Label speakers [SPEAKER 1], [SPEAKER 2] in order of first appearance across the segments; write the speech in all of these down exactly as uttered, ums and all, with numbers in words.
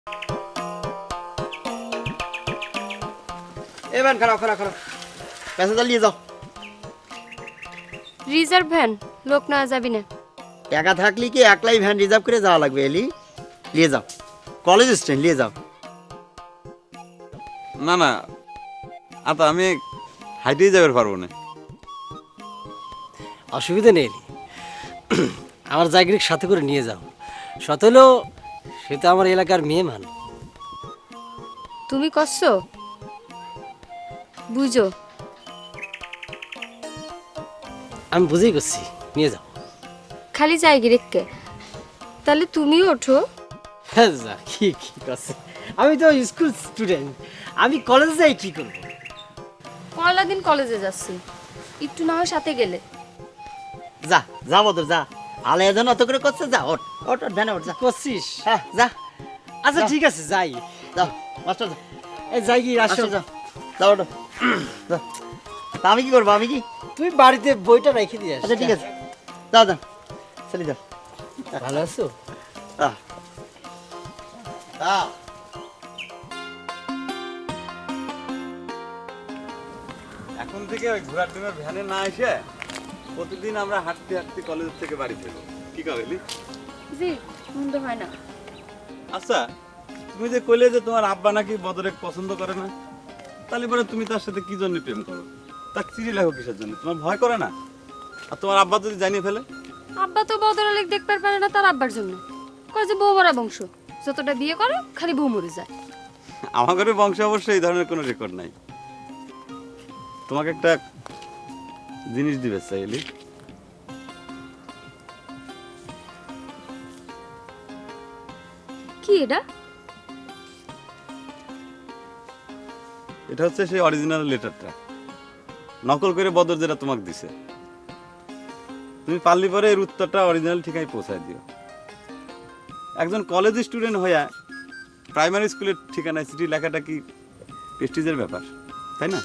[SPEAKER 1] এ van খারাপ খারাপ খারাপ প্যাসেঞ্জার নিয়ে যাও।
[SPEAKER 2] রিজার্ভ ভ্যান, লোক না যাবি না।
[SPEAKER 1] একা থাকলে কি একলাই ভ্যান রিজার্ভ করে যাওয়া লাগবে? এলি নিয়ে যাও, কলেজ স্ট্যান্ড নিয়ে যাও।
[SPEAKER 3] না না আতা আমি হাইটেই যাবে পারবো না।
[SPEAKER 4] অসুবিধা নেই, আমার জায়গার সাথে করে নিয়ে যাও। সত হলেও সে তো আমার এলাকার মেয়ে মান।
[SPEAKER 2] তুমি করছো বুঝো।
[SPEAKER 4] আমি বুঝেই করছি, নিয়ে যাও।
[SPEAKER 2] খালি জায়গা রেখে তাহলে তুমিও ওঠো।
[SPEAKER 4] হ্যাঁ যা, কি কি করছে? আমি তো স্কুল স্টুডেন্ট, আমি কলেজে যাই কি করবো?
[SPEAKER 2] পয়লা দিন কলেজে যাচ্ছি, একটু না হয় সাথে গেলে।
[SPEAKER 1] যা যা বদর যা, আলে যেন অত করে করছে, যা ওঠ ওঠ ওঠ ভ্যানে ওঠ যা।
[SPEAKER 4] করছিস?
[SPEAKER 1] হ্যাঁ যা।
[SPEAKER 4] আচ্ছা
[SPEAKER 1] যা।
[SPEAKER 4] ঠিক আছে, যাই।
[SPEAKER 1] যাও মাস্টার যা,
[SPEAKER 4] এই যাই কি আসো।
[SPEAKER 1] মাস্টার যা, যাও ওঠো। যা। তা আমি কি করবো? আমি কি?
[SPEAKER 4] তুই বাড়িতে বইটা রেখে দিয়ে আসিস।
[SPEAKER 1] আচ্ছা ঠিক আছে, যাও যাও চলে যাও।
[SPEAKER 4] ভালো আছো?
[SPEAKER 1] আহ। আহ।
[SPEAKER 3] এখন থেকে ওই ঘোড়ার ডিমের ভ্যানে না এসে প্রতিদিন আমরা হাঁটতে হাঁটতে কলেজ থেকে বাড়ি ফিরবো, কি কবেলি?
[SPEAKER 2] জি, মন্দ হয় না।
[SPEAKER 3] আচ্ছা তুমি যে কইলে যে তোমার আব্বা নাকি বদরে পছন্দ করে না, তাহলে পরে তুমি তার সাথে কি জন্য প্রেম করো? তার চিঠি লেখো কিসের জন্য? তোমার ভয় করে না? আর তোমার আব্বা যদি জানিয়ে ফেলে?
[SPEAKER 2] আব্বা তো বদরালেক দেখতে পারে না তার আব্বার জন্য। কয় যে বউ মরা বংশ, যতটা বিয়ে করে খালি বউ মরে যায়।
[SPEAKER 3] আমার ঘরে বংশে অবশ্যই এই ধরনের কোনো রেকর্ড নাই। তোমাকে একটা জিনিস দিবে চাইলি।
[SPEAKER 2] কি এটা?
[SPEAKER 3] এটা হচ্ছে সেই অরিজিনাল লেটারটা, নকল করে বদর যেটা তোমাকে দিছে। তুমি পারলি পরে এর উত্তরটা অরিজিনাল ঠিকায় পৌঁছায় দিও। একজন কলেজ স্টুডেন্ট হইয়া প্রাইমারি স্কুলের ঠিকানায় চিঠি লেখাটা কি প্রেস্টিজের ব্যাপার, তাই না?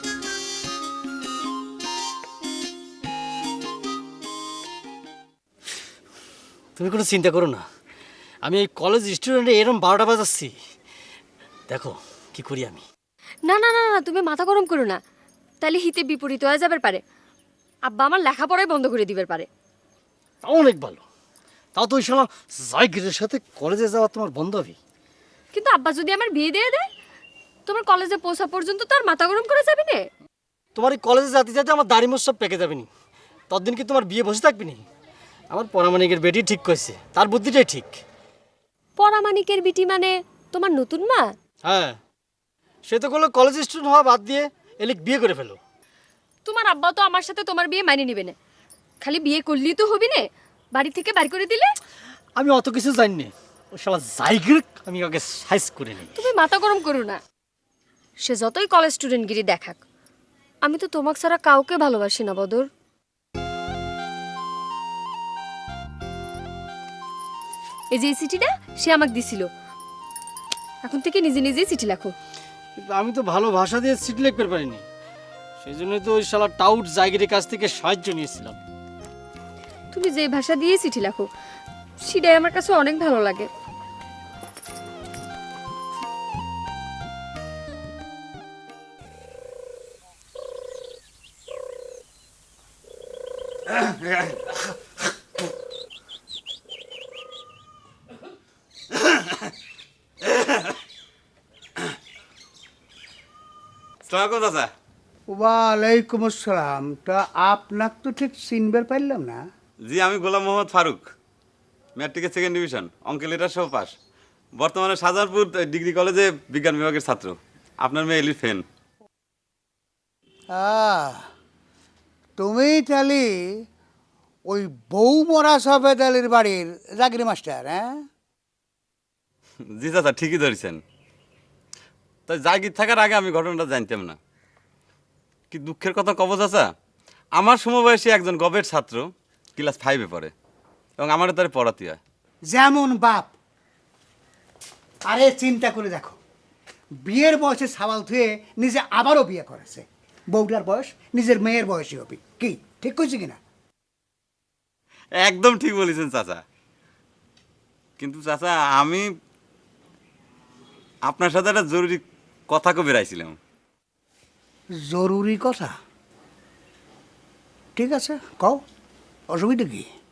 [SPEAKER 4] তুমি কোনো চিন্তা করো না, আমি এই কলেজ স্টুডেন্টে এরম বারোটা বাজাচ্ছি। দেখো কি করি আমি।
[SPEAKER 2] না না না না, তুমি মাথা গরম করো না, তাহলে হিতে বিপরীত হয়ে যাবে পারে। আব্বা আমার লেখাপড়াই বন্ধ করে দিবে পারে।
[SPEAKER 4] তাও অনেক ভালো, তাও তো ওই শালা জায়গিরের সাথে কলেজে যাওয়া তোমার বন্ধ হবে।
[SPEAKER 2] কিন্তু আব্বা যদি আমার বিয়ে দিয়ে দেয়, তোমার কলেজে পৌঁছা পর্যন্ত তো আর মাথা গরম করে যাবে না।
[SPEAKER 4] তোমার এই কলেজে যাতে যাতে আমার দাড়ি মোছ সব পেকে যাবে নি, ততদিন কি তোমার বিয়ে বসে থাকবি নি? আমার পরামানিকের বেটি ঠিক কইছে, তার বুদ্ধিটাই ঠিক।
[SPEAKER 2] পরামানিকের বিটি মানে তোমার নতুন মা?
[SPEAKER 4] হ্যাঁ, সে তো করলো কলেজ স্টুডেন্ট হওয়া বাদ দিয়ে এলিক বিয়ে করে ফেলো।
[SPEAKER 2] তোমার আব্বা তো আমার সাথে তোমার বিয়ে মানিয়ে নিবে না, খালি বিয়ে করলেই তো হবি না, বাড়ি থেকে বাড়ি করে দিলে।
[SPEAKER 4] আমি অত কিছু জানি না, ওই শালা জায়গির আমি আগে সাইজ করে নিই।
[SPEAKER 2] তুমি মাথা গরম করো না, সে যতই কলেজ স্টুডেন্টগিরি দেখাক, আমি তো তোমাকে ছাড়া কাউকে ভালোবাসি না বদর। এই যে চিঠিটা সে আমাকে দিছিল, এখন থেকে নিজে নিজেই চিঠি লেখো।
[SPEAKER 4] কিন্তু আমি তো ভালো ভাষা দিয়ে চিঠি লিখতে পারিনি, সেই জন্যই তো ওই শালা টাউট জায়গির কাছ থেকে সাহায্য নিয়েছিলাম।
[SPEAKER 2] তুমি যে ভাষা দিয়ে চিঠি লেখো সেটাই আমার কাছে অনেক ভালো লাগে।
[SPEAKER 3] সালামালাইকুম চাচা।
[SPEAKER 5] ওয়ালাইকুম আসসালাম। তা আপনাকে তো ঠিক চিনবার পারলাম না।
[SPEAKER 3] জি আমি গোলাম মোহাম্মদ ফারুক, ম্যাট্রিকের সেকেন্ড ডিভিশন, অঙ্কে লেটার সহ পাস। বর্তমানে শাহজাহানপুর ডিগ্রি কলেজে বিজ্ঞান বিভাগের ছাত্র। আপনার মেয়ে এলির ফ্যান।
[SPEAKER 5] আহ, তুমি তাহলে ওই বউ মরা সফেদ আলীর বাড়ির জাগির মাস্টার? হ্যাঁ,
[SPEAKER 3] জি চাচা ঠিকই ধরেছেন। তাই জাগির থাকার আগে আমি ঘটনাটা জানতাম না। কি দুঃখের কথা কব চাচা, আমার সমবয়সী একজন গবের ছাত্র ক্লাস ফাইভে পড়ে এবং আমারও তার পড়াতে হয়।
[SPEAKER 5] যেমন বাপ। আরে চিন্তা করে দেখো, বিয়ের বয়সে সাবাল ধুয়ে নিজে আবারও বিয়ে করেছে। বউটার বয়স নিজের মেয়ের বয়সী হবে। কি ঠিক কইছি কিনা?
[SPEAKER 3] একদম ঠিক বলেছেন চাচা। কিন্তু চাচা আমি আপনার সাথে একটা জরুরি কথা কবে বেরাইছিলাম।
[SPEAKER 5] জরুরি কথা ঠিক আছে কও অসুবিধা কি